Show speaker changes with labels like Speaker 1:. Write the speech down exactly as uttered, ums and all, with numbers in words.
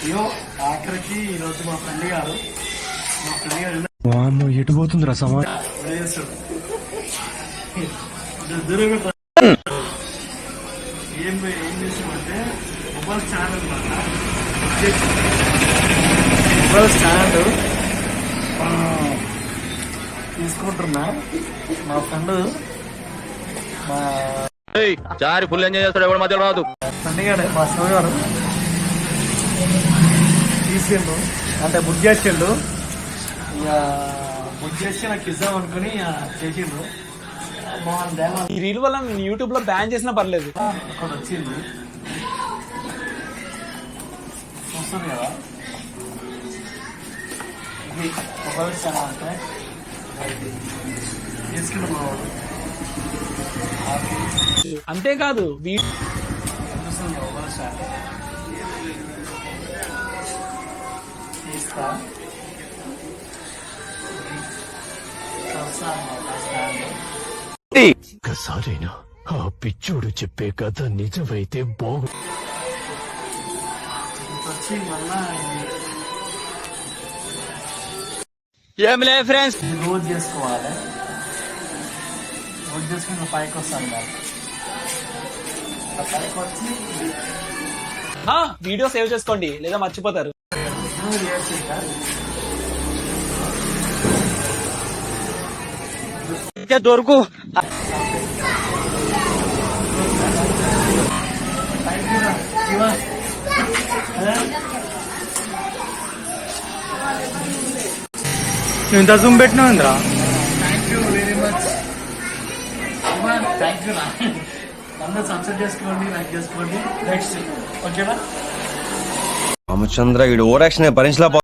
Speaker 1: అయ్యో ఆఖరికి ఈరోజు మా ఫ్రెండ్ గారు మా ఫ్రెండ్ గారు
Speaker 2: వామ్మో ఎటు పోతుందిరా సమా
Speaker 1: చేస్తాడు దూరం ఏం ఏం చేసామంటే మొబైల్ ఛానల్ మొబైల్ స్టాండ్ తీసుకుంటున్నా మా ఫ్రెండ్ మా
Speaker 3: చారి ఫుల్ ఎంజాయ్ చేస్తాడు ఎవరి మధ్యలో రాదు
Speaker 1: ఫ్రెండ్ గారు మా శివ గారు తీసిండు అంటే బుక్ చేసిండు ఇక బుక్ చేసి నాకు ఇద్దాం అనుకుని చేసిండు
Speaker 4: ఈ రీల్ వల్ల యూట్యూబ్ లో బ్యాన్ చేసినా పర్లేదు.
Speaker 1: అక్కడ వచ్చింది వస్తుంది కదా ఇది మొబైల్ చాలా అంటే తీసుకుని పోవాలి.
Speaker 4: అంతేకాదు
Speaker 1: చూస్తుంది మొబైల్ స్టాండ్ తీస్తా స్టాండ్
Speaker 2: ఒక్కసారైనా ఆ పిచ్చోడు చెప్పే కథ నిజమైతే బాగు
Speaker 1: వచ్చి మళ్ళా
Speaker 4: ఏం లే ఫ్రెండ్స్,
Speaker 1: రోజు చేసుకోవాలి. రోజు చేసుకుని పైకి వస్తాను పైకి వచ్చి
Speaker 4: వీడియో సేవ్ చేసుకోండి లేదా మర్చిపోతారు. దొరుకు
Speaker 2: నువ్వు ఇంత జూమ్ పెట్టినావు ఇంద్రా.
Speaker 1: Thank you very much. Thank you. అందరూ సబ్స్క్రైబ్ చేసుకోండి, లైక్ చేసుకోండి. నెక్స్ట్ ఓకేనా
Speaker 5: రామచంద్ర ఈడు ఓవర్ యాక్షన్ భరించలేకపో